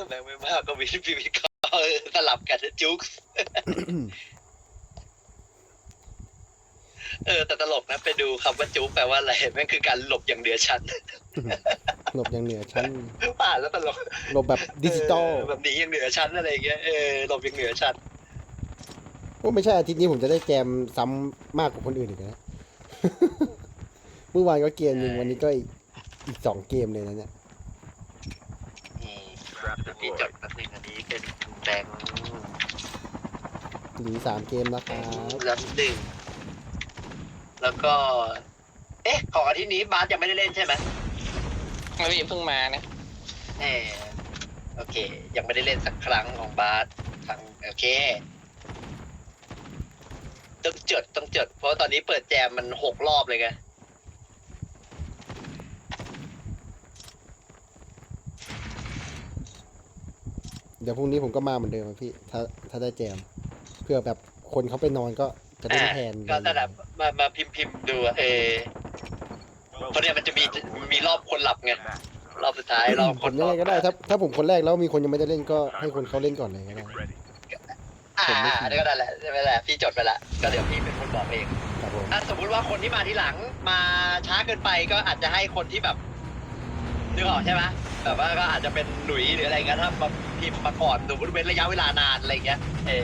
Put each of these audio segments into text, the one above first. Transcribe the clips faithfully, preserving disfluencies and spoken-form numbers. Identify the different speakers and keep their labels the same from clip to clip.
Speaker 1: แม่งไม่มากก็มีพี่วิเคราะห์สลับกันจุ๊กเออแต่ตลกนะไปดูคำว่าจุ๊กแปลว่าอะไรแม่งคือการหลบอย่างเหนือชั้น
Speaker 2: หลบอย่างเหนือชั้น
Speaker 1: ป่านแล้วตลก
Speaker 2: หลบแบบดิจิตอล
Speaker 1: แบบหนีอย่างเหนือชั้นอะไรเงี้ยเออหลบอย่างเหนือชั้น
Speaker 2: โอ้ไม่ใช่อาทิตย์นี้ผมจะได้แจมซ้ำมากกว่าคนอื่นอีกนะ เมื่อวานก็เกมหนึ่งวันนี้ก็อีกอีกสองเกมเลยนะเนี่ย
Speaker 1: นี่พี่จดแป๊บนึงอันนี้เป็นแบงค์
Speaker 2: หรือสามเกมนะครับ
Speaker 1: รับหนึ่งแล้วก็ เอ๊ะของอาทิตย์นี้บาสยังไม่ได้เล่นใช่ไหม
Speaker 3: ไม่พี่เพิ่งมานะ
Speaker 1: เออโอเค ยังไม่ได้เล่นสักครั้งของบาสทางโอเคต้องจดต้องจดเพราะตอนนี้เปิดแจมมันหกรอบเลยไง
Speaker 2: เดี๋ยวพรุ่งนี้ผมก็มาเหมือนเดิมอะพี่ ถ้าถ้าได้แจม เพื่อแบบคนเขาไปนอนก็จะเล่นแทน
Speaker 1: ก็นั่นแหละมามาพิมพ์พิมพ์ดูอะเออเพราะเนี่ยมันจะมีมีรอบคนหลับไงรอบสุดท้ายรอบ
Speaker 2: ผ
Speaker 1: ค
Speaker 2: ม
Speaker 1: น
Speaker 2: ยังไงก็ได้ถ้าถ้าผมคนแรกแล้วมีคนยังไม่ได้เล่นก็ให้คนเขาเล่นก่อนเลยก็ได้
Speaker 1: อ่า
Speaker 2: ผมไม่ผิด
Speaker 1: อันนี้ก็ได้แหละใช่ไหมแหละพี่จดไปละก็เดี๋ยวพี่เป็นคนบอกเอง
Speaker 2: ครับผม
Speaker 1: ถ้าสมมุติว่าคนที่มาทีหลังมาช้าเกินไปก็อาจจะให้คนที่แบบนึกออกใช่ไหมแบบว่าก็อาจจะเป็นหลุยหรืออะไรเงี้ยถ้ามาพิมพ์มาก่อนสมมติเป็นระยะเวลานานอะไรเงี้ยเออ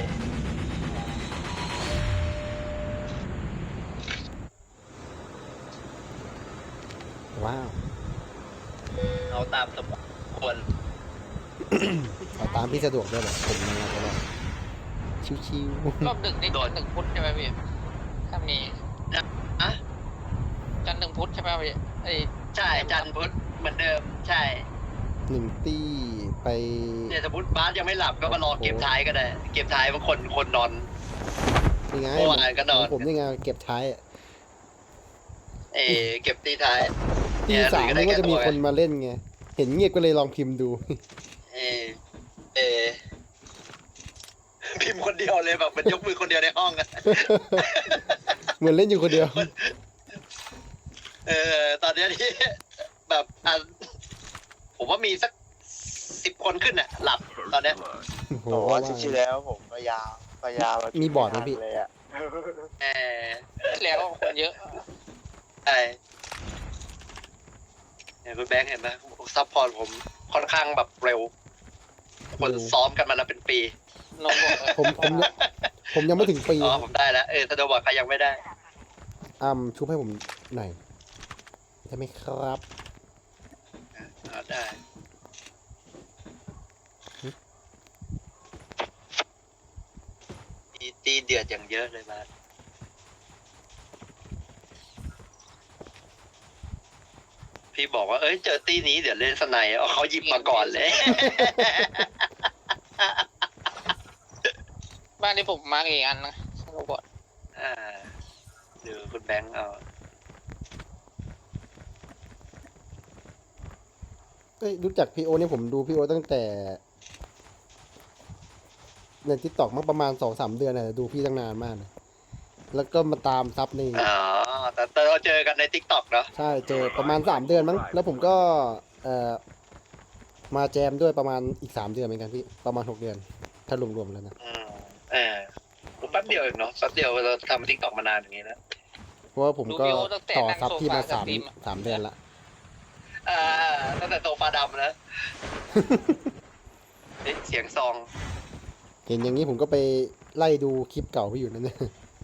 Speaker 2: ว้าว
Speaker 1: เอาตามสมควร
Speaker 2: เอาตามพี่สะดวกด้วยแหละผมยังไงก็ได้ชิว
Speaker 3: รอบดึกนี่โดนหนึ่งพุธใช่ไหมพี่ถ้ามี
Speaker 1: อะ
Speaker 3: จันทร์หนึ่งพุธใช่ไหมพี่ไอ้
Speaker 1: ใช่จันทร์พุธเหมือนเดิม ใช่
Speaker 2: ๆหนึ่งตี้ไป
Speaker 1: เนี่ยสมมติบาสยังไม่หลับก็มารอเกมท้ายก็ได้ เกมท้ายบางคนคนนอน
Speaker 2: นี่ไง
Speaker 1: เมื่อวานก็นอน
Speaker 2: ผมนี่ไงเก็บท้ายอะ
Speaker 1: เออเก็บตีท้าย
Speaker 2: ตีสามมันก็จะมีคนมาเล่นไง เห็นเงียบก็เลยลองพิมพ์ดู
Speaker 1: เออเออพิมพ์คนเดียวเลยแบบมันยกมือคนเดียวในห้องอะ
Speaker 2: เหมือนเล่นอยู่คนเดียว
Speaker 1: เออตอนเนี้ยที่แบบอ่ะผมว่ามีสักสิบคนขึ้นอะหลับตอนเนี้ย
Speaker 2: โอ้โห
Speaker 4: โอ้โหอาทิตย์ที่แล้วผมพยายามพยายาม
Speaker 2: มีบอร์ดไหมพี่
Speaker 4: เลยอะ
Speaker 1: เออ
Speaker 3: แล้วคนเยอะ
Speaker 1: ใช่เนี่ยคุณแบงค์เห็นไหมซัพพอร์ตผมค่อนข้างแบบเร็ว คนซ้อมกันมาแล้วเป็นปี
Speaker 3: โน้ตบุ๊กเออ
Speaker 2: ผมผมผมยังไม่ถึงปี
Speaker 1: อ๋อผมได้แล้วเออถ้าโดนบอกใครยังไม่ได้
Speaker 2: อ้ำชุบให้ผมหน่อยได้ไหมครับ
Speaker 1: เอาได้ตีตีเดือดอย่างเยอะเลยมาพี่บอกว่าเอ้ยเจอตีนี้เดี๋ยวเล่นสไนด์เอาเขาหยิบมาก่อนเลย
Speaker 3: บ้านที่ผมมาร์กอีกอันนะโรบอท
Speaker 1: อ่าดูคุณแบงค์เอา
Speaker 2: เอ้ยรู้จักพี่โอเนี่ยผมดูพี่โอตั้งแต่ในทิกตอกมาประมาณสองสามเดือนนะดูพี่ตั้งนานมากนะแล้วก็มาตามซับใน
Speaker 1: อ๋อแต่แต่เราเจอกันในทิกตอกเนาะ
Speaker 2: ใช่เจอประมาณสามเดือนมั้งแล้วผมก็เอ่อมาแจมด้วยประมาณอีกสามเดือนเหมือนกันพี่ประมาณหกเดือน ถ้ารวมๆแล้วนะ
Speaker 1: อืมเออผมแป๊บเดียวเองเนาะแป๊บเดียวเราทำทิกตอกมานานอย่างนี้แล้ว
Speaker 2: เพราะว่าผมก็
Speaker 3: ดูวิวตั้งแต่
Speaker 2: ต่อ
Speaker 3: นั่ง
Speaker 2: ซับ
Speaker 3: โซ
Speaker 2: พี่
Speaker 3: ฟา
Speaker 2: มา
Speaker 3: ส
Speaker 2: สาม
Speaker 3: ตรีมอะ
Speaker 2: สามเดือนละ
Speaker 1: อ่าตั้งแต่โซฟาดำแล้วเฮ้ยเสียงซอง
Speaker 2: เห็นอย่างนี้ผมก็ไปไล่ดูคลิปเก่าพี่อยู่นั่นเนี่ย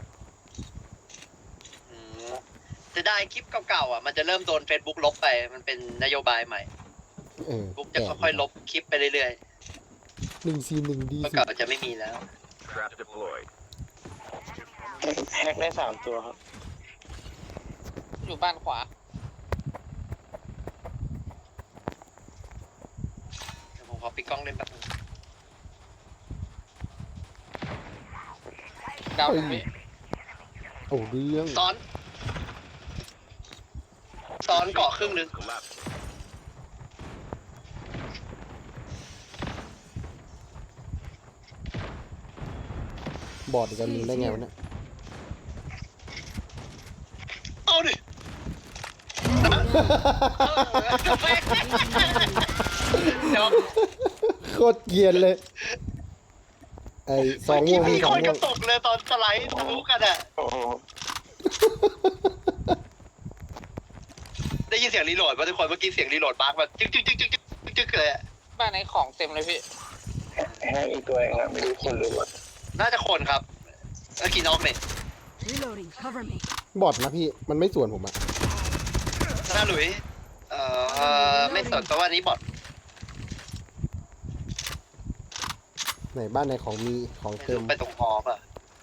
Speaker 1: อืมจะได้คลิปเก่าๆอ่ะมันจะเริ่มโดน Facebook ลบไปมันเป็นนโยบายใหม่
Speaker 2: เออ
Speaker 1: บุ๊กจะค่อยๆลบคลิปไปเรื่อย
Speaker 2: หนึ่งซีหนึ่งดี
Speaker 1: ๆเมื่อ
Speaker 2: สุ
Speaker 1: เก่า
Speaker 2: ด
Speaker 1: จะไม่มีแล้ว
Speaker 5: Trap deployed.
Speaker 4: แฮกได้สามตัวครับ
Speaker 3: อยู่บ้านขวา
Speaker 1: เดี๋ยวผมขอปิดกล้องเล่นแป๊บนึง
Speaker 3: ดาวผมพี่
Speaker 2: โอ้เรื่อง
Speaker 1: ซ้อนซ้อนเกาะครึ่งนึง
Speaker 5: Collapse.
Speaker 2: บอร์ดอีกอันหนึงได้ไงวะเนี่ย
Speaker 1: เอาดิเดี๋ยว
Speaker 2: โคตรเกรียนเลย ไอ้สอง
Speaker 1: เมื่
Speaker 2: ว
Speaker 1: อง กี้
Speaker 2: มี
Speaker 1: มี
Speaker 2: สอ
Speaker 1: ค
Speaker 2: ง
Speaker 1: น
Speaker 2: ว
Speaker 1: กระ
Speaker 2: ง
Speaker 1: ตกเลยตอนสไลด์ทะลุกันอ่ะ
Speaker 4: โอ้โห
Speaker 1: ได้ยินเสียงรีโหลดป่ะทุกคนเมื่อกี้เสียงรีโหลดบักแบบจึ๊กจึ๊กจึ๊กจึ๊กจึ๊กจึ๊กเลยอะ
Speaker 3: บ้านไหนของเต็มเลยพี่
Speaker 4: แฮกอีกตัวเองอะไม่รู้คนหรือว่า
Speaker 1: น่าจะคนครับเมื่อกี้น็อกเนี่ย
Speaker 5: Reloading. Cover me.
Speaker 2: บอทนะพี่ มันไม่ส่วนผมอะ
Speaker 1: หน้าหลุยเอ่อไม่สนเพราะว่านี้บอท
Speaker 2: ไหนบ้านไหนของมีของเต็ม
Speaker 1: ไปตรงฮอป่ะ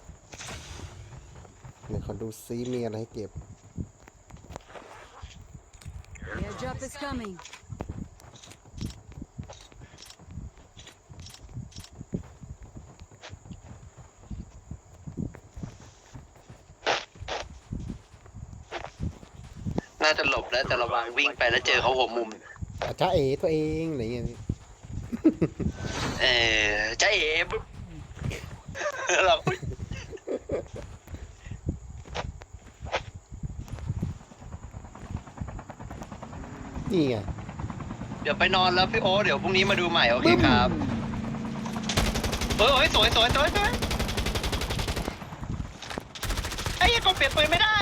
Speaker 2: ไหนขอดูซิมีอะไรให้เก็บ
Speaker 5: Airdrop is coming.
Speaker 1: น่าจะหลบแล้วแต่ระวังวิ่งไปแล้วเจอเขาหัวมุม
Speaker 2: อาจ้าเอ๋ตัวเองอะไรเงี้ยพี่
Speaker 1: เออใจเอ๋ปุ๊บเรา
Speaker 2: นี่ไง
Speaker 1: เดี๋ยวไปนอนแล้วพี่โอ๊ตเดี๋ยวพรุ่งนี้มาดูใหม่โอเคครับเฮ้ยเฮ้ยสวยสวยสวยสวยไอ้ยังกดเปลี่ยนปืนไม่ได้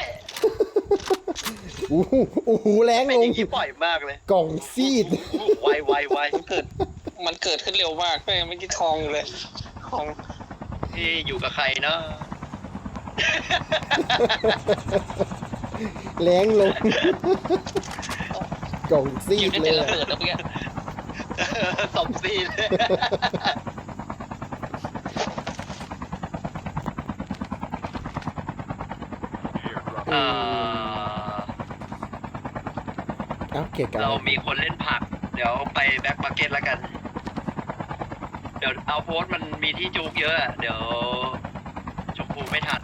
Speaker 2: อู้หูอู้หูแรง
Speaker 1: เป็น
Speaker 2: ล
Speaker 1: อง ย่างนี้บ่อยมากเลย
Speaker 2: กล่องซีด
Speaker 1: ไวไวไว
Speaker 3: มันเกิด มันเกิดขึ้นเร็วมากเลยไม่อกี้ทองอยู่เลยทอง
Speaker 1: ที่อยู่กับใครเนาะ
Speaker 2: แรงลง กล่องซี
Speaker 3: อยู่
Speaker 2: ด
Speaker 3: ใน
Speaker 2: เล
Speaker 3: เต็
Speaker 2: ย
Speaker 3: นระ
Speaker 2: อะ
Speaker 3: เบิดแล้วเมื่อกี้
Speaker 1: สมซีนอ่า
Speaker 2: เอ้าเกะกะ
Speaker 1: เรามีคนเล่นผัก เดี๋ยวไปแบ็คมาร์เก็ตแล้วกัน เดี๋ยวเอาโพสต์มันมีที่จุกเยอะอะเดี๋ยวจุกปูไม่ทัน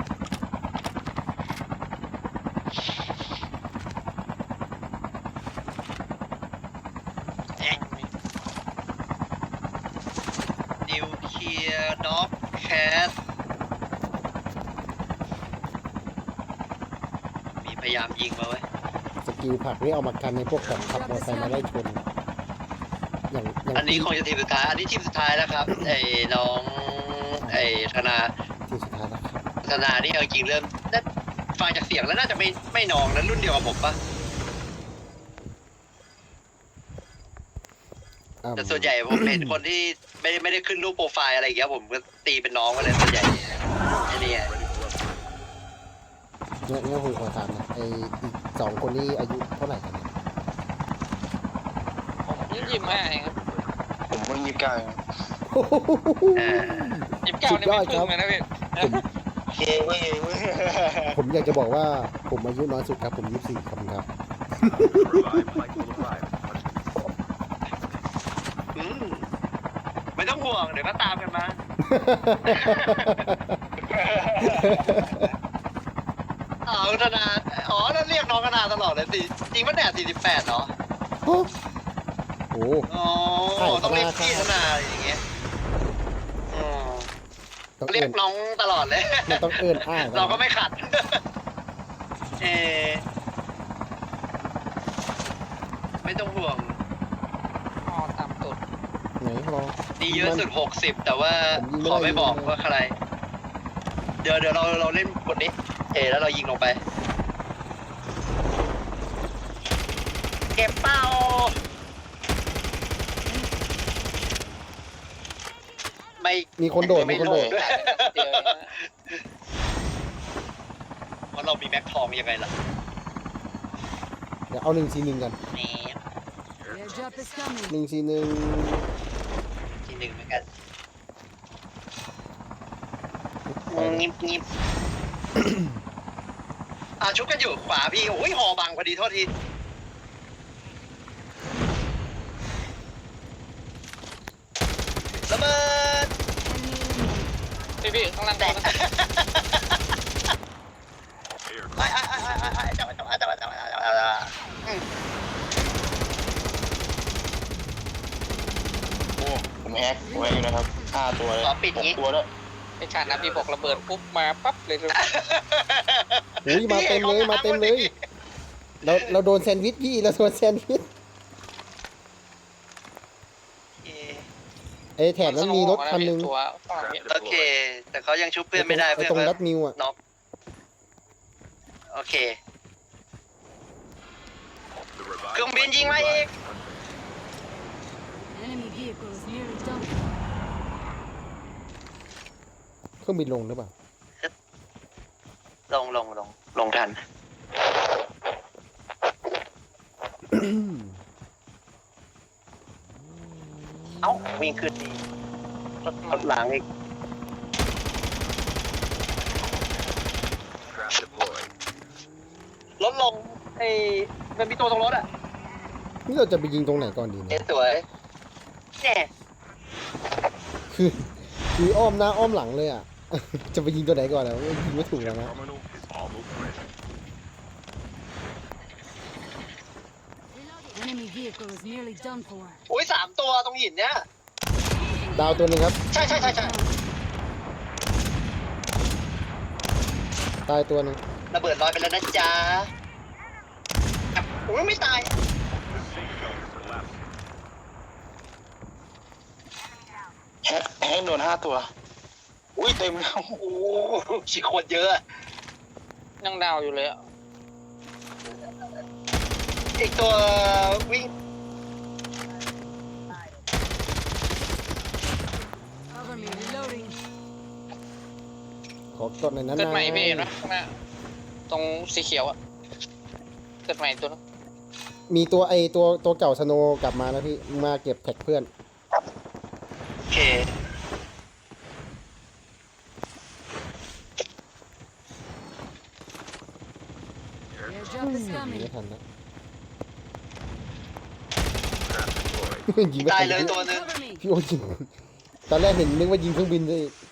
Speaker 1: นิวเคลียร์ด็อกแคทมีพยายามยิงมาเว้ย
Speaker 2: สกิลผักนี่เอามากันในพวกแบบขับมอเตอร์ไซค์มาไล่ชน อย่างอย่าง
Speaker 1: อันนี้คงจะทีมสุดท้าย อันนี้ทีมสุดท้ายแล้วครับ ไอ้น้องไอ้ธนา
Speaker 2: ที่สุดท้ายแล้วครับ
Speaker 1: ธนานี่เอาจริงเริ่มน่าฟังจากเสียงแล้วน่าจะไม่ไม่น้องนั้นรุ่นเดียวกับผมปะ
Speaker 2: อ่า
Speaker 1: แต่ส่วนใหญ่ผมเห็นคนที่ไม่ได้ไม่ได้ขึ้นรูปโปรไฟล์อะไรอย่างเงี้ยผมก็ตีเป็นน้องมาเลยส่วนใหญ่ไอ้นี่ไง
Speaker 2: เนี่ยเนี่ยผมขอถามนะไออีกสองคนนี้อายุเท่าไหร่กันเนี่ย
Speaker 3: ผมยี่สิบห้าเองครับ
Speaker 4: ผมเพิ่งยี่สิบเก้าเอง
Speaker 1: เออ
Speaker 3: ยี่สิบเก้านี่ไม่พึ่งเลยนะพี่
Speaker 4: เย้เว้ยเว้ย
Speaker 2: ผมอยากจะบอกว่าผมอายุน้อยสุดครับ ผมยี่สิบสี่ครับครับ
Speaker 1: อืมไม่ต้องห่วงเดี๋ยวก็ตามกันมา อ๋อธนา อ๋อแล้วเรียกน้องธนาตลอดเลยสิจริงปะเนี่ยสี่สิบแปดเหรอ
Speaker 2: โอ้โห
Speaker 1: อ๋อ
Speaker 2: ใช่
Speaker 1: ต้องเรียก
Speaker 2: ธนา
Speaker 1: พี่ธนาอย่างเงี้ยอืม
Speaker 2: ต้อง
Speaker 1: เรีย
Speaker 2: เอิ
Speaker 1: ก
Speaker 2: น
Speaker 1: น้องตลอดเลย
Speaker 2: มันต้องเอินอ้าย
Speaker 1: เราก็ไม่ขัด เออไม่ต้องห่วง
Speaker 3: อ๋อตามตุด
Speaker 2: ไหนรอ
Speaker 1: ดีเยอะสุดหกสิบแต่ว่า
Speaker 2: ผมยิงไม่
Speaker 1: ขอ
Speaker 2: ได้
Speaker 1: ไม่บอก
Speaker 2: เลย
Speaker 1: ว่าใคร เดี๋ยวเดี๋ยวเราเราเล่นบทนี้ เอแล้วเรายิงลงไป เก็บเป้า ไม่
Speaker 2: มีคนโดด
Speaker 1: ไม่
Speaker 2: มีคนโดด
Speaker 1: โดด
Speaker 3: เดี๋ยวนะ
Speaker 1: เพราะเรามีแม็กทองยังไงล่ะ
Speaker 2: เดี๋ยวเอาหนึ่งซีหนึ่งกัน
Speaker 1: นี่
Speaker 5: Airdrop is coming.
Speaker 2: หนึ่งซีหนึ่ง
Speaker 1: ทีหนึ่งเหมือนกันงิบงิบ อ่าชุบกันอยู่ขวาพี่ โอ้ยหอบังพอดีโทษที ระเบิด
Speaker 3: พี่พี่ข้างล่าง
Speaker 1: แต
Speaker 3: ตัว
Speaker 1: ก
Speaker 3: นะ
Speaker 1: ไอ้ไอ้ไอ้ไอ้ไอ้จับจับจับจับจับจับจับ
Speaker 4: โอ้ผมแฮกไว้อยู่นะครับห้าตัวเลย
Speaker 1: ขอปิด
Speaker 4: หก
Speaker 1: งี้
Speaker 4: ตัวแล้ว
Speaker 3: ไอ้ชาตินะพี่บอกระเบิดปุ๊บมาปั๊บเลยเลย
Speaker 2: โอ้ยมาเต็มเลยมาเต็มเลย เราเราโดนแซนด์วิชพี่เราโดนแซนด์วิชไอ้แถบนั้นมีรถคันหนึง
Speaker 3: ตัวฝั่งนี้
Speaker 1: โอเค แต่เขายังชุบเพื่อนไม่ได้
Speaker 2: ไอ้
Speaker 1: เพื่อน
Speaker 2: ตรง
Speaker 1: ก็
Speaker 2: รัดมิวอ่ะ
Speaker 1: น็อกโอเคเครื่องบินยิงมาอีก
Speaker 5: Enemy vehicle is nearly done.
Speaker 2: เครื่องบินลงหรือเปล่า
Speaker 1: ลงลงลงลงทัน เอ้าวิ่งขึ้นดีรถรถหลังอีกรถลงไอ้มันมีตัวตรงรถอ่ะ
Speaker 2: นี่เราจะไปยิงตรงไหนก่อนดี
Speaker 1: เอ๊ะ
Speaker 2: เนี่ย
Speaker 1: สวยเนี่ย
Speaker 2: คือคืออ้อมหน้าอ้อมหลังเลยอ่ะ จะไปยิงตัวไหนก่อนแล้วยิงไม่ถูกแล้วนะ
Speaker 5: Enemy vehicle is nearly done for.
Speaker 1: อุ้ยสามตัวตรงหินเนี้ย
Speaker 2: ดาวตัวหนึงครับ
Speaker 1: ใช่ใช่ใช่ใช่
Speaker 2: ตายตัวหนึง
Speaker 1: ระเบิดลอยไปแล้วนะจ๊ะอุ้ยไม่ตาย
Speaker 4: แฮกแฮกโดนห้าตัว อุ้ยเต็มแล้ว
Speaker 1: โอ้โหชิโคตรเยอะอะ
Speaker 3: ยังดาวอยู่เลยอ่ะ
Speaker 1: อีกตัววิ่ง
Speaker 5: Cover me. Reloading.
Speaker 2: ขอกดหน่อยนะ
Speaker 3: เกิดใหม่
Speaker 2: นาย
Speaker 3: พี่เห็นไหมข้างหน้าตรงสีเขียวอ่ะเกิดใหม่ตัวนึง
Speaker 2: มีตัวไอตัวตัวเก่าสโนว์กลับมาแล้วพี่มาเก็บแท็กเพื่อน
Speaker 1: โอเค
Speaker 5: Airdrop is
Speaker 2: ยิง
Speaker 5: coming.
Speaker 2: ไม่ทันนะ ยิงไม่
Speaker 1: ตา
Speaker 2: ทั
Speaker 1: ย
Speaker 2: น
Speaker 1: เลยตัวหนึง
Speaker 5: Cover me.
Speaker 2: พี่โอยิงตอนแรกเห็นนึกว่ายิงเครื่องบินเลย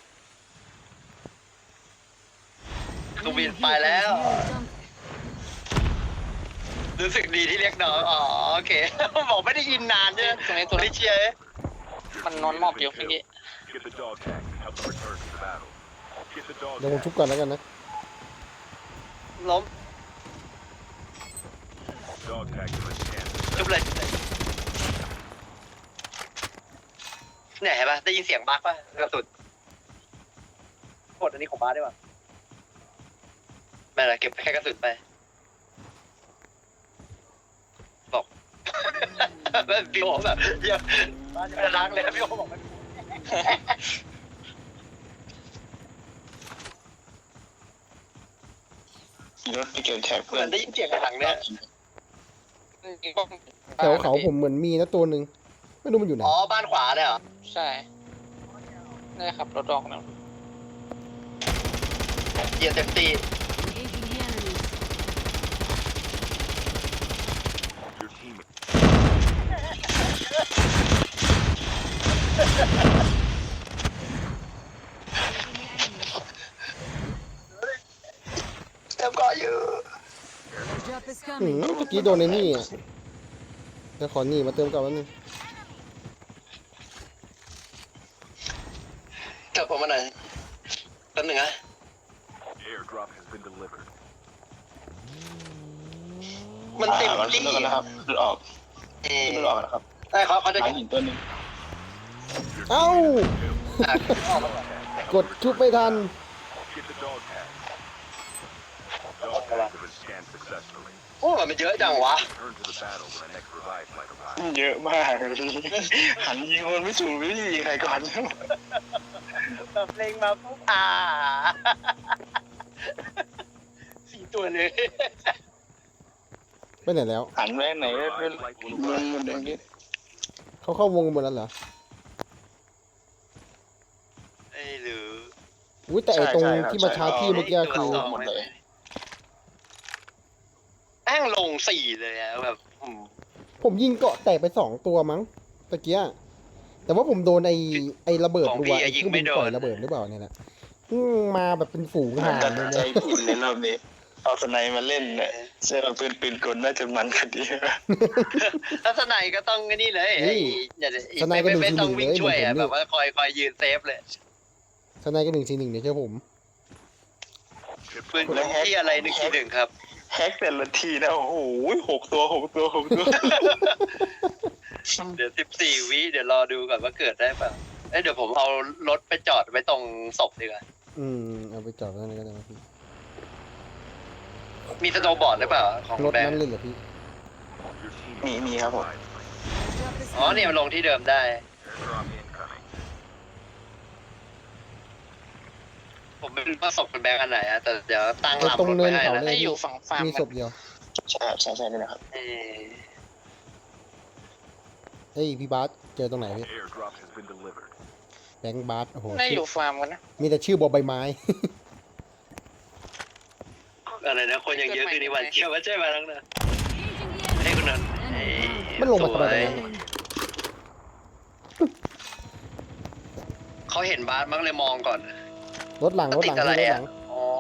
Speaker 1: เครื่องบิน
Speaker 5: Enemy
Speaker 1: ไป
Speaker 5: vehicle
Speaker 1: แล้ว
Speaker 5: is nearly done.
Speaker 1: รู้สึกดีที่เรียกน้องอ๋อโอเค บอกไม่ได้ยินนานใช่ไหม
Speaker 3: ตรงนี้ตัว
Speaker 1: ไม่
Speaker 3: นี้
Speaker 1: ได้เชียร์
Speaker 3: มันนอนหมอบอยู่เมื่อกี้
Speaker 6: Get the dog tag and help them return to the battle. Get the dog
Speaker 2: เดี๋ยวผม
Speaker 6: tag.
Speaker 2: ชุบก่อนแล้วกันนะ
Speaker 1: ล้ม
Speaker 6: Dog tag to the scan.
Speaker 1: จุบเลยเนี่ยเห็นปะได้ยินเสียงบั๊กป่ะกระสุนกดอันนี้ของบ้าสได้ป่ะไม่เป็นไรเก็บแค่กระสุนไปบอก พี่โอแบบเยี่ยมบ้านจะไม่ได้ล้างเลยนะพี่โอบอกมัน
Speaker 4: ขี่รถไปเก็บแท็ก
Speaker 1: เห
Speaker 4: เพื่
Speaker 1: มื
Speaker 4: อ
Speaker 1: อน นได้ยินเสียงข้างหลังเนี่ย
Speaker 2: แถวเขาผมเหมือนมีนะตัวหนึ่งไม่รู้มันอยู่ไหน
Speaker 1: อ๋อบ้านขวาเนี่ยเหรอ
Speaker 3: ใช่ได้ขับรถออกนะ
Speaker 1: เหยียบเต็มตี
Speaker 5: Engaging the enemy.
Speaker 6: Your team
Speaker 1: เต็มก่ออยู่
Speaker 5: Airdrop is
Speaker 2: หืม
Speaker 5: coming.
Speaker 2: เมื่อกี้โดนในนี่อ่ะเดี๋ยวขอนี่มาเติมก่อนแป๊บนึง
Speaker 1: กลับผมมาหน่อยแป๊บหนึ่งนะ
Speaker 6: airdrop has been delivered.
Speaker 1: มันเต็ม
Speaker 4: อ่ามัน
Speaker 1: ที่
Speaker 4: เลิกแล้วนะครับหลุดออก
Speaker 1: เออ
Speaker 4: หลุดออกนะครับ
Speaker 1: ได้เขาเขาจะ
Speaker 4: หลังหินตัวหนึง
Speaker 2: เอ้า
Speaker 1: อ่ะออกมาก่อน
Speaker 2: กดชุบไม่ทัน
Speaker 6: Get the dog tag. Dog tags have been scanned successfully.
Speaker 1: โอ้มันเยอะจังวะ
Speaker 6: Return to the battle when the next revive flight arrives.
Speaker 4: เยอะมากหันยิงคนไม่ถูกไม่รู้จะยิงใครก่อน
Speaker 1: แบบเพลงมาปุ๊บอ่าสี่ตัวเลย
Speaker 2: ไปไหนแล้ว
Speaker 4: หันแม่ไหนก็เป็นเมืองหมดอย่างนี้
Speaker 2: เขาเข้าวงกันหมดแล้วเหรอ
Speaker 1: ไอ้หรือ
Speaker 2: อุ้ยแต่ไอ้ตรงที่มาชาร์จที่เมื่อกี้คือ
Speaker 4: หมดเลย
Speaker 1: แอ้งลงสี่เลยอะแบบอืม
Speaker 2: ผมยิงเกาะแตกไปสองตัวมั้งตะเกียแต่ว่าผมโดนไอ้ไอ้ระเบิด
Speaker 1: ของ
Speaker 2: รั
Speaker 1: พี่
Speaker 2: ว
Speaker 1: อะ
Speaker 2: ไอ้
Speaker 1: ยิ
Speaker 2: เค
Speaker 1: ง
Speaker 2: รื่อง
Speaker 1: ไม่
Speaker 2: บิน
Speaker 1: โด
Speaker 2: ปล่อย
Speaker 1: น
Speaker 2: ระเบิดหรือเปล่าเนี่ยแหละอืมมาแบบเป็นฝูงห่าน
Speaker 4: ตัด
Speaker 2: เลย
Speaker 4: ใจ
Speaker 2: เนี่ย
Speaker 4: ผิดในรอบนี้เอาสไนมาเล่นเนี่ยเสื้อปืนปืนกลน่าจะมันกว่านี้
Speaker 1: ลักษณะก็ต้องไอ้นี่เลยไอ้อย่าไม่ไม่ไม่ต้องวิ่งช่วยอะแบบว่าคอยคอยยืนเซฟเลย
Speaker 2: ทนายก็หนึ่งสี่หนึ่งเนี่ยใช่ผม
Speaker 1: ปืนที่อะไรหนึ่งทีหนึ่งครับ
Speaker 4: แฮกแต่ละทีนะโอ้โหหกตัวหกตัวหกตัว
Speaker 1: เดี๋ยวสิบสี่วิเดี๋ยวรอดูก่อนว่าเกิดได้เปล่าเอ้ยเดี๋ยวผมเอารถไปจอดไว้ตรงศพดีกว่า
Speaker 2: อืมเอาไปจอดไว้นั่นก็ได้นะพี่
Speaker 1: มีสโนว์บอร์ดหรือเปล่าของ
Speaker 2: รถ
Speaker 1: แบง
Speaker 2: นั้น
Speaker 1: ค์
Speaker 2: เลยเหรอพี่
Speaker 6: Your team
Speaker 4: มีมีครับผม
Speaker 5: Airdrop is
Speaker 1: อ๋อเนี่ยมันลงที่เดิมได้
Speaker 6: airdrop incoming.
Speaker 1: ผมไม่รู้ว่าศพคุณแบงค์อันไหนอะแต่เดี๋ยวตั้งลำ
Speaker 2: ตรง
Speaker 1: รถ
Speaker 2: เนิ
Speaker 1: ไว้
Speaker 2: น
Speaker 1: ให้
Speaker 2: เขา
Speaker 1: นะ
Speaker 2: เล
Speaker 3: ให้
Speaker 2: ย
Speaker 3: อยู่ฝั่งฟาร์ม
Speaker 2: มี
Speaker 3: กั
Speaker 2: ศ
Speaker 3: น
Speaker 2: พเดียว
Speaker 4: ใช่ใช่ใช่นี่นะครับ
Speaker 1: เออ
Speaker 2: เฮ้ยพี่บาสเจอตรงไหนพี่
Speaker 6: Airdrop has been delivered.
Speaker 2: แบงค์บาสโอ้โห
Speaker 3: ได้อ
Speaker 2: ชื่อยู่
Speaker 3: ฟาร์มกันนะ
Speaker 2: มีแต่ชื่อบอใบไม้
Speaker 1: อะไรนะคนยังเยอะคือในวันเที่ยวว่าใช่ไหมน้องนะ
Speaker 5: engaging the
Speaker 1: ให้
Speaker 5: enemy.
Speaker 1: คุณนัน
Speaker 5: Enemy
Speaker 2: มันลงมาทำไมตรง
Speaker 1: สวย
Speaker 2: นั้น
Speaker 1: เขาเห็นบาสมั้งเลยมองก่อน
Speaker 2: รถหลังรถหลัง
Speaker 1: ติดอะไร
Speaker 2: พี่รถห
Speaker 1: อ่ะ
Speaker 2: ลัง
Speaker 1: อ๋อ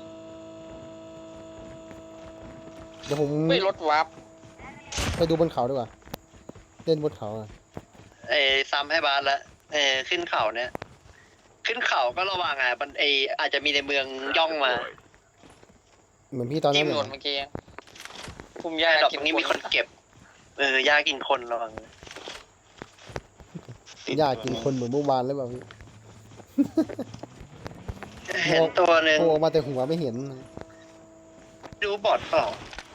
Speaker 2: เดี๋ยวผม
Speaker 3: ไม่รถวาร์ป
Speaker 2: ไปดูบนเขาดีกว่า เล่นบนเขาอ่ะ
Speaker 1: เออซ้ำให้บาสละเออขึ้นเขาเนี่ย ขึ้นเขาก็ระวังอ่ะมันเอออาจจะมีในเมืองย่องมา
Speaker 6: Deployed.
Speaker 2: เหมือนพี่ตอน
Speaker 3: ยิ
Speaker 2: นั้
Speaker 3: ง
Speaker 2: น
Speaker 3: หล่น
Speaker 2: น่ะ
Speaker 3: เมื่อกี้ภูมิ
Speaker 1: ยาย
Speaker 3: ยา
Speaker 1: ดอก
Speaker 3: กิ
Speaker 1: ตรงนี้มีคนเก็บ เออยากินคนระวัง
Speaker 2: อยากกินคนเหมือนเมื่อวานหรือเปล่าพี่
Speaker 1: เห็นตัวหนึ่ง
Speaker 2: โผล่ออกมาแต่หัวไม่เห็น
Speaker 1: ดูบอดเปล่า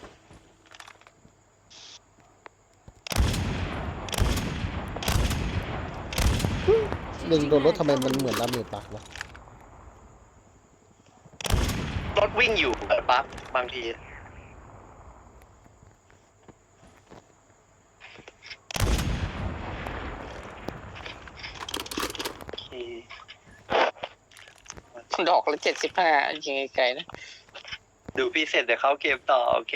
Speaker 2: เล็งโดนรถทำไมมันเหมือนดาเมจปากวะ
Speaker 1: รถวิ่งอยู่เออปั๊บบางทีโอเค
Speaker 3: ดอกละเจ็ดสิบห้ายิงไกลๆนะ
Speaker 1: ดูพี่เสร็จเดี๋ยวเข้าเกมต่อโอเค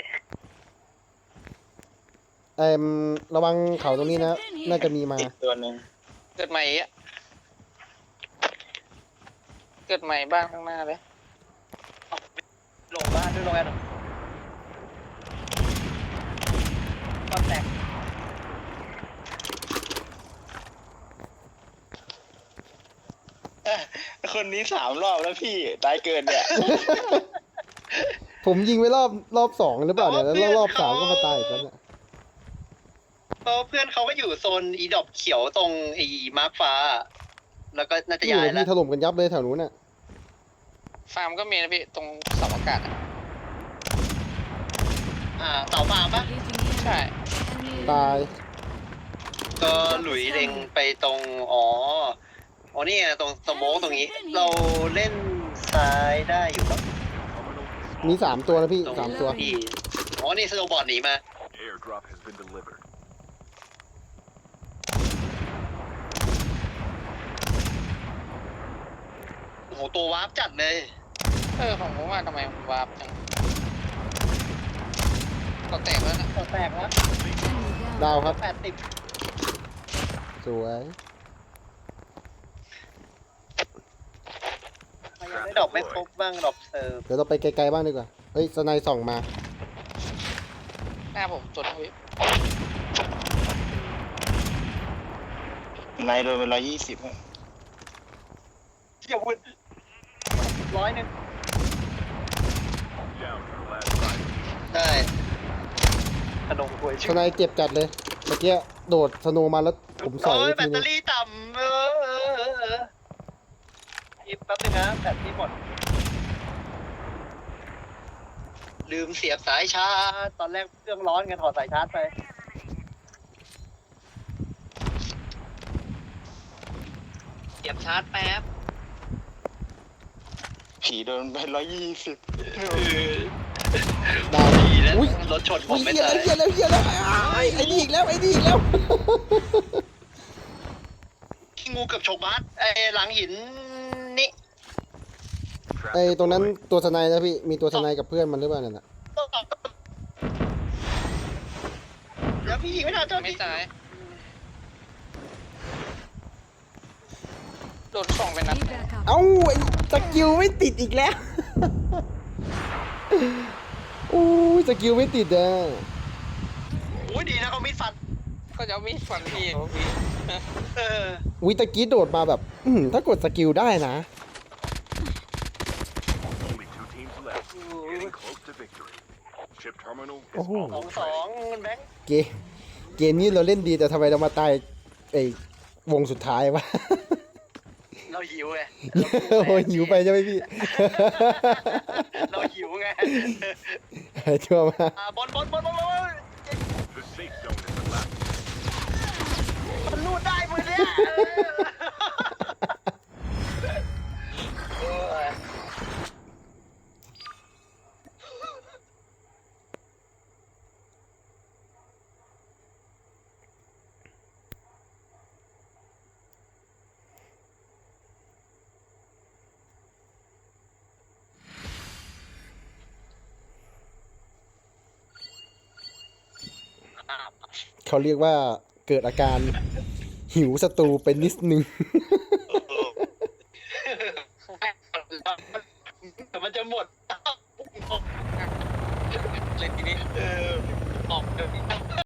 Speaker 2: เอ็มระวังเขาตรงนี้นะ น่าจะมีมา
Speaker 4: ติดตัวหนึ่ง
Speaker 3: เกิดใหม่อ่ะเกิดใหม่บ้านข้างหน้าเลย
Speaker 1: ลงบ้านด้วยลงแอนความแตก
Speaker 4: คนนี้สามรอบแล้วพี่ตายเกินเนี่ย
Speaker 2: ผมยิงไว้รอบรอบสองหรือเปล่าเนี่ยแล้วรอบสามก็มาตายอีกแล้วเนี่ย
Speaker 1: เพราะเพื่อนเขาก็อยู่โซนอีดอกเขียวตรงไอ้มาร์คฟ้า แล้วก็น่าจะ
Speaker 2: อยู่
Speaker 1: ย้าย
Speaker 2: เลย
Speaker 1: แล้ว
Speaker 2: พี่ถล่มกันยับเลยแถวนู้นน่ะ
Speaker 3: ฟาร์มก็มีนะพี่ตรงเสาอากาศอะ
Speaker 1: อ่าเสาฟาร์มปะ
Speaker 5: engaging the
Speaker 3: ใช่
Speaker 5: enemy. Enemy
Speaker 2: ตาย
Speaker 1: ก็หลุยเล็งไปตรงอ๋ออ๋อนี่ไงตรงสโมกตรงนี้ เราเล่นซ้ายได้อยู่ปะ
Speaker 6: Terminal is
Speaker 2: มีสามตัวนะพี่
Speaker 1: ตรง
Speaker 2: สามตัว
Speaker 1: ที่อ๋อนี่สโนว์บอร์ดหนีมา
Speaker 6: airdrop has been delivered.
Speaker 1: โอ้โหตัววาร์ปจัดเลย
Speaker 3: เออผมว่าทำไมมันวาร์ปจังก็แตกแล้วนะ
Speaker 1: ตัวแตกแล้ว
Speaker 5: Enemy down.
Speaker 2: ดาวครับ
Speaker 1: แปดสิบ
Speaker 2: สวย
Speaker 1: ยังได้ดอกไม่ครบบ้างดอกเซิร์ฟ
Speaker 2: เดี๋ยวเราไปไกลๆบ้างดีกว่า เฮ้ยสไนด์ส่องมา
Speaker 3: หน้าผมตัวนะพี่
Speaker 4: นายโดนเป็นร้อยยี่สิบ
Speaker 1: อย่าวุ่นร้อยหนึ่ง
Speaker 6: Down to the last five.
Speaker 1: ได้ขนมกล้วย
Speaker 2: ส
Speaker 1: ชื่อ
Speaker 2: ไนด์เจ็บจัดเลย เมื่อกี้โดดสโนว์มาแล้วผมสอย
Speaker 1: โอ้
Speaker 2: ไป
Speaker 1: ยแบ
Speaker 2: ที
Speaker 1: ต
Speaker 2: นึ
Speaker 1: เตอง รี่ต่ำเออเออเออเอออีกแป๊บนึงนะแบตที่หมด ลืมเสียบสายชาร์จตอนแรกเครื่องร้อนกันถอดสายชาร์จไป เสียบชาร์จแป๊บ
Speaker 4: ผีโดนเป็นร้อยยี่สิบ
Speaker 2: ดาว
Speaker 1: ดีแล้ว
Speaker 2: อุ้ย
Speaker 1: รถชนผ
Speaker 2: อุ้
Speaker 1: ม
Speaker 2: ย
Speaker 1: ไม่
Speaker 2: เหี้ย
Speaker 1: ตา
Speaker 2: แล้
Speaker 1: ยว
Speaker 2: เหี้ยแล้วเหี้ยแล้วอ้ายไอ้นี่อีกแล้วไอ้นี่อีกแล้ว
Speaker 1: งูเกือบฉกบาสไอ้หลังหินนี่
Speaker 6: Trap
Speaker 2: ไอ้ตรงนั้น
Speaker 6: deployed.
Speaker 2: ตัวสไนด์นะพี่ มีตัวสไนด์กับเพื่อนมันหรือเปล่านั่นน่ะ
Speaker 1: เดี๋ยวพี่ยิงไม่ทันเจ้า
Speaker 3: ไม่
Speaker 1: ที่
Speaker 3: ตายโดนส่องไปนัด
Speaker 5: Need backup.
Speaker 2: เอ้าไอ้สกิลไม่ติดอีกแล้ว อู้ยสกิลไม่ติดอ่ะ
Speaker 1: โอ้ยดีนะเขามีดฟัน
Speaker 3: ก็จะเอามีดฟันพี่พี่
Speaker 1: เออ
Speaker 2: วิตะกี้โดดมาแบบ อืมถ้ากดสกิลได้นะ
Speaker 6: Only two teams left. Getting close to victory. Ship terminal is
Speaker 2: Oh.
Speaker 1: สอง
Speaker 6: almost
Speaker 1: สอ
Speaker 6: ready.
Speaker 1: งมันแบงค์
Speaker 2: เกมเกมนี้เราเล่นดีแต่ทำไมเรามาตายไอ้วงสุดท้ายวะ
Speaker 1: เราหิวไง
Speaker 2: โอ้ยหิวไปใช่ไหมพี่
Speaker 1: เราหิวไง
Speaker 2: หายชั่วมาก
Speaker 1: อ่าบอลบอลบอลบอลบอล
Speaker 6: The safe zone is collapsed.
Speaker 1: มันรูดได้มือเนี้ยเออ
Speaker 2: เขาเรียกว่าเกิดอาการหิวศัตรูเป็นนิดนึง
Speaker 1: แต่มันจะหมด
Speaker 3: เลยทีนี้
Speaker 1: เออออกเดี๋ยวนี้